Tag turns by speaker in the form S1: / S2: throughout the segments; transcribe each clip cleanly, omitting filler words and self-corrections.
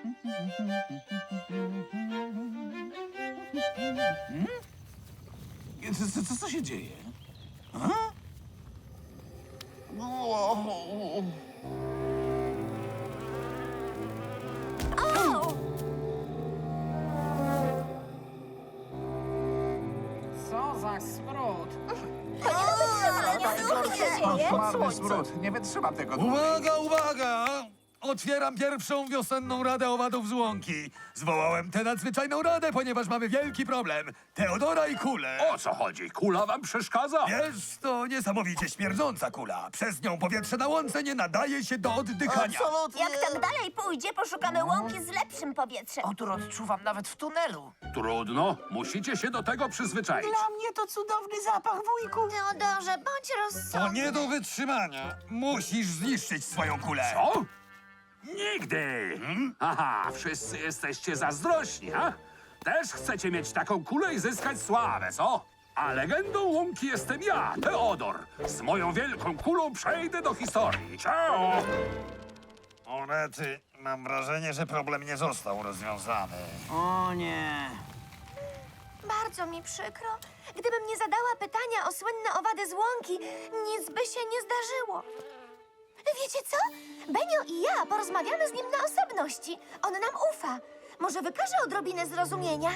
S1: Co się dzieje?
S2: Co za smród!
S3: To nie do wytrzymania. Co się dzieje?
S1: Koszmarny smród. Nie wytrzymam tego dłużej.
S4: Uwaga, uwaga! Otwieram pierwszą wiosenną Radę Owadów z Łąki. Zwołałem tę nadzwyczajną radę, ponieważ mamy wielki problem. Teodora i kulę.
S5: O co chodzi? Kula wam przeszkadza?
S4: Jest to niesamowicie śmierdząca kula. Przez nią powietrze na łące nie nadaje się do oddychania.
S6: Absolutnie.
S3: Jak tak dalej pójdzie, poszukamy łąki z lepszym powietrzem.
S2: Odór odczuwam nawet w tunelu.
S5: Trudno, musicie się do tego przyzwyczaić.
S2: Dla mnie to cudowny zapach, wujku.
S3: Teodorze, bądź
S4: To
S3: rozsądny.
S4: nie do wytrzymania. Musisz zniszczyć swoją kulę.
S5: Co? Nigdy! Aha, wszyscy jesteście zazdrośni, ha? Też chcecie mieć taką kulę i zyskać sławę, co? A legendą łąki jestem ja, Teodor. Z moją wielką kulą przejdę do historii. Ciao!
S4: O rety, mam wrażenie, że problem nie został rozwiązany.
S2: O nie.
S3: Bardzo mi przykro. Gdybym nie zadała pytania o słynne owady z łąki, nic by się nie zdarzyło. Wiecie co? Benio i ja porozmawiamy z nim na osobności. On nam ufa. Może wykaże odrobinę zrozumienia?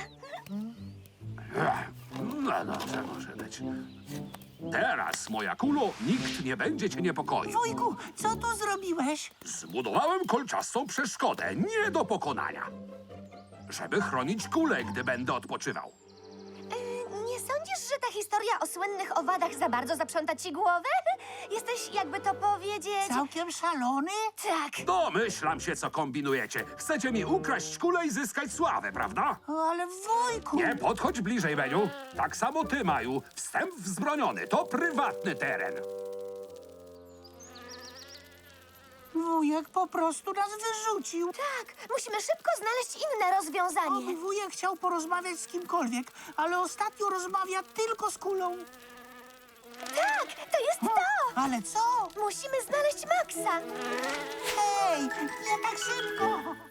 S5: No dobrze, może być. Teraz, moja kulo, nikt nie będzie cię niepokoił.
S2: Wujku, co tu zrobiłeś?
S5: Zbudowałem kolczastą przeszkodę, nie do pokonania. Żeby chronić kulę, gdy będę odpoczywał.
S3: Nie sądzisz, że ta historia o słynnych owadach za bardzo zaprząta ci głowę? Jesteś, jakby to powiedzieć...
S2: Całkiem szalony?
S3: Tak.
S5: Domyślam się, co kombinujecie. Chcecie mi ukraść kulę i zyskać sławę, prawda?
S2: Ale wujku!
S5: Nie podchodź bliżej, Beniu. Tak samo ty, Maju. Wstęp wzbroniony. To prywatny teren.
S2: Wujek po prostu nas wyrzucił.
S3: Tak, musimy szybko znaleźć inne rozwiązanie.
S2: Wujek chciał porozmawiać z kimkolwiek, ale ostatnio rozmawia tylko z kulą.
S3: Tak, to jest to!
S2: Ale co?
S3: Musimy znaleźć Maxa.
S2: Hej, nie tak szybko!